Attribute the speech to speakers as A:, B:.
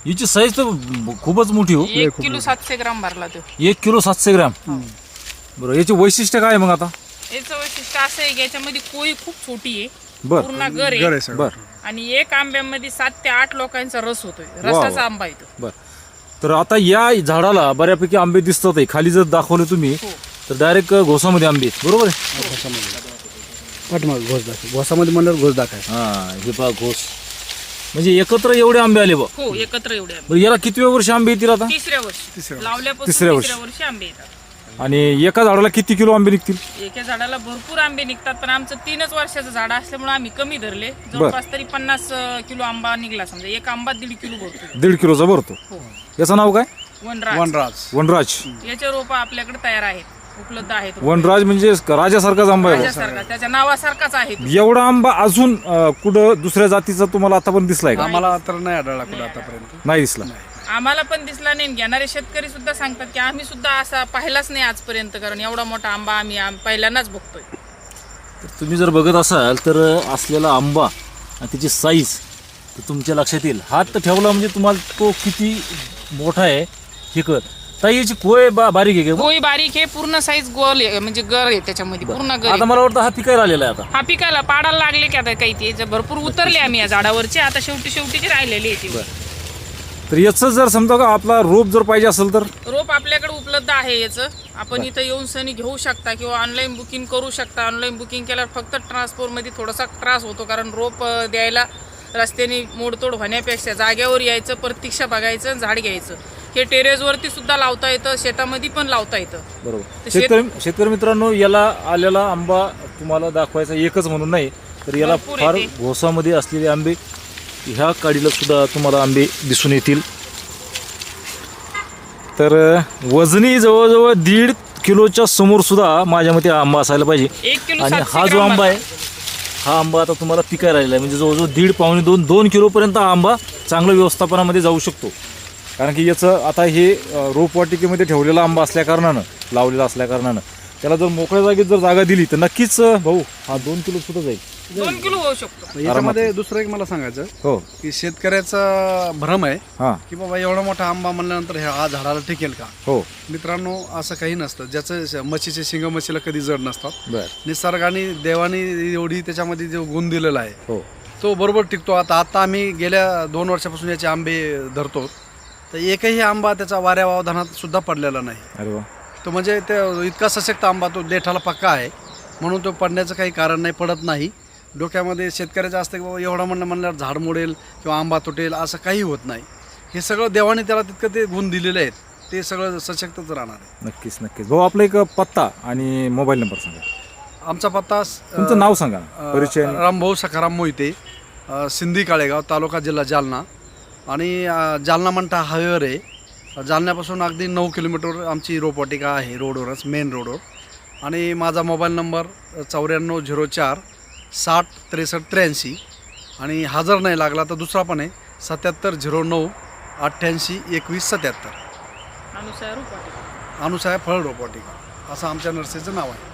A: हिची साईज तर खूपच मोठी हो.
B: 1 किलो 700 ग्राम भरला तो.
A: 1 किलो 700 ग्राम. बरं, याचे वैशिष्ट्य काय मग आता?
B: याचं वैशिष्ट्य असं आहे की याच्यामध्ये कोळी खूप छोटी आहे,
A: बर
B: पूर्ण गर आहे
A: बर.
B: आणि एक आंब्यामध्ये 7 ते 8 लोकांचा रस होतोय. रसाचा आंबा आहे तो.
A: बर. तर आता या झाडाला बऱ्यापैकी आंबे दिसतात आहे. खाली जर दाखवले तुम्ही तर डायरेक्ट घोसामध्ये आंबे आहेत, बरोबर आहे?
C: घोसामध्ये म्हणल्यावर घोस दाखवाय.
A: हा, हे पहा घोस. म्हणजे एकत्र एवढे आंबे आले बा.
B: हो, एकत्र एवढे आंबे.
A: बरं, याला किती वर्ष आंबे येतील आता?
B: तिसऱ्या वर्षी लावल्यापासून
A: तिसऱ्या
B: तिसऱ्या वर्षी आंबे येतात.
A: आणि एका झाडाला किती किलो आंबे निघतील?
B: एका झाडाला भरपूर आंबे निघतात, पण आमचं 3च वर्षाचं झाड असल्यामुळे आम्ही कमी धरले. जवळपास तरी 50 किलो आंबा निघला. समजा एक आंबा 1.5 किलो भरतो.
A: 1.5 किलोचा भरतो. याचं नाव काय?
B: वनराज.
A: वनराज.
B: याचे रोप आपल्याकडे तयार आहेत, उपलब्ध आहेत.
A: वनराज म्हणजे राजासारखाच आंबा आहे.
B: राजासारखा, त्याच्या नावासारखाच आहे तो.
A: एवढा आंबा अजून कुठं दुसऱ्या जातीचा तुम्हाला आतापर्यंत दिसलाय का?
C: आम्हाला तर नाही आढळला कुठं आतापर्यंत.
A: नाही दिसला.
B: आम्हाला पण दिसला नाही. घेणारे शेतकरी सुद्धा सांगतात की आम्ही सुद्धा असा पाहिलाच नाही आजपर्यंत, कारण एवढा मोठा आंबा आम्ही पहिल्यांदाच बघतोय.
A: तर तुम्ही जर बघत असाल तर असलेला आंबा आणि त्याची साईज तर तुमच्या लक्षात येईल. हात ठेवला म्हणजे तुम्हाला तो किती मोठा आहे हे कळत. ताई, याची कोय बारीक आहे का?
B: कोळी बारीक आहे, पूर्ण साईज गोल आहे, म्हणजे गर आहे त्याच्यामध्ये, पूर्ण गर
A: आता
B: आहे.
A: मला वाटतं हा पिकायला आलेला आहे आता.
B: हा पिकाला पाडायला लागले की आता काही ते भरपूर उतरले आम्ही या झाडावरचे. आता शेवटी राहिलेली आहे ती.
A: तर याचं जर समजा का आपला रोप जर पाहिजे असेल तर
B: रोप आपल्याकडे उपलब्ध आहे याचं. आपण इथं येऊन सनी घेऊ शकता किंवा ऑनलाईन बुकिंग करू शकता. ऑनलाईन बुकिंग केल्यावर फक्त ट्रान्सपोर्टमध्ये थोडासा त्रास होतो, कारण रोप द्यायला रस्त्याने मोडतोड होण्यापेक्षा जाग्यावर यायचं, प्रतीक्षा बघायचं, झाड घ्यायचं. हे टेरेसवरती सुद्धा लावता येतं, शेतामध्ये पण लावता येतं.
A: बरोबर. शेतकरी मित्रांनो, याला आलेला आंबा तुम्हाला दाखवायचा एकच म्हणून नाही, तर याला
B: भरपूर
A: फार
B: येते.
A: घोसामध्ये असलेले आंबे, ह्या काडीला सुद्धा तुम्हाला आंबे दिसून येतील. तर वजनी जवळजवळ 1.5 किलोच्या समोर सुद्धा माझ्या मते आंबा असायला पाहिजे.
B: 1 किलो
A: आणि
B: 700
A: हा जो
B: ग्राम
A: आंबा आहे, हा आंबा आता तुम्हाला पिकायला राहिला आहे. म्हणजे जवळजवळ 1.5 पावणे 2 किलोपर्यंत हा आंबा चांगल्या व्यवस्थापनामध्ये जाऊ शकतो. कारण की याचं आता हे रोपवाटिकेमध्ये ठेवलेला आंबा असल्याकारणानं, लावलेला असल्याकारणानं त्याला जर मोकळ्या जागेत जर जागा दिली तर नक्कीच भाऊ हा 2 किलो सुद्धा जाईल.
B: 2 किलो होऊ शकतो.
C: याच्यामध्ये दुसरं एक मला सांगायचं
A: हो.
C: की शेतकऱ्याचा भ्रम आहे
A: हां.
C: की बाबा एवढा मोठा आंबा म्हणल्यानंतर ह्या झाडाला टिकेल का.
A: हो.
C: मित्रांनो, असं काही नसतं. ज्याचं म्हशीचे शिंग म्हशीला कधी जड नसतात.
A: बर.
C: निसर्गाने देवाने एवढी त्याच्यामध्ये जो गुण दिलेला आहे
A: हो.
C: तो बरोबर टिकतो. आता आम्ही गेल्या 2 वर्षापासून याचे आंबे धरतो, तर एकही आंबा त्याचा वाऱ्या वावधानात सुद्धा पडलेला नाही.
A: अरे वा.
C: तो म्हणजे ते इतका सशक्त आंबा, तो देठाला पक्का आहे म्हणून तो पडण्याचं काही कारण नाही, पडत नाही. डोक्यामध्ये शेतकऱ्याचं असतं की बाबा एवढा म्हणल्यावर झाड मोडेल किंवा आंबा तुटेल, असं काही होत नाही. हे सगळं देवाने त्याला तितकं ते गुण दिलेले आहेत, ते सगळं सशक्तच राहणार आहे.
A: नक्कीच नक्कीच. भाऊ, आपला एक पत्ता आणि मोबाईल नंबर सांगा.
C: आमचा पत्ता
A: तुमचं नाव सांगा, परिचय.
C: रामभाऊ सखाराम मोहिते, सिंधी काळेगाव, तालुका जिल्हा जालना. आणि जालना मंठा हायवेवर आहे. जालन्यापासून अगदी 9 किलोमीटर आमची रोपवाटिका आहे, रोडवरच, मेन रोडवर. आणि माझा मोबाईल नंबर 9404 60 63 83. आणि हा जर नाही लागला तर दुसरा पण आहे, 7709 88 21 77.
B: अनुसार रोपवाटिका.
C: अनुसाया फळ रोपवाटिका असं आमच्या नर्सरीचं नाव आहे.